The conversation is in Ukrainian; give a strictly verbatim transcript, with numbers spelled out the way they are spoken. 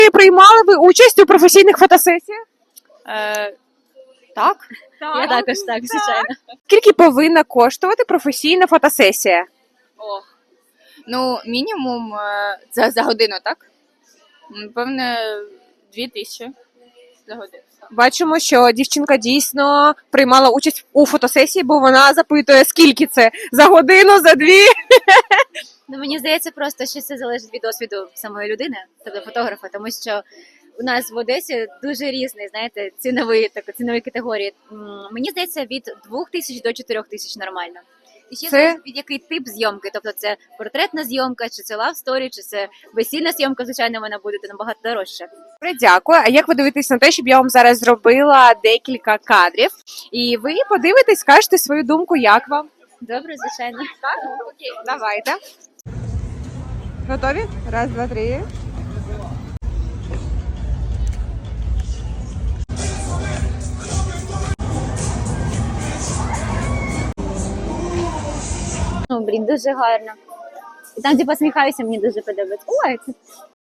Приймали ви участь у професійних фотосесіях? Е, так. Я також так, звичайно. Скільки повинна коштувати професійна фотосесія? О. Ну, мінімум е, за, за годину, так? Певне, дві тисячі за годину. Бачимо, що дівчинка дійсно приймала участь у фотосесії, бо вона запитує, скільки це за годину, за дві. Ну, мені здається, просто що це залежить від досвіду самої людини, тобто фотографа, тому що у нас в Одесі дуже різний, знаєте, ціновий так, цінові категорії. М, Мені здається, від двох тисяч до чотирьох тисяч нормально. І ще Це- залежить від який тип зйомки, тобто це портретна зйомка, чи це лавсторі, чи це весільна зйомка, звичайно, вона буде набагато дорожча. Добре, дякую. А як ви дивитесь на те, щоб я вам зараз зробила декілька кадрів, і ви подивитесь, скажете свою думку, як вам? Добре, звичайно. Окей, давайте. Готові? Раз, два, три. Ну, блін, дуже гарно. І там, де посміхаюся, мені дуже подобається. Ой, це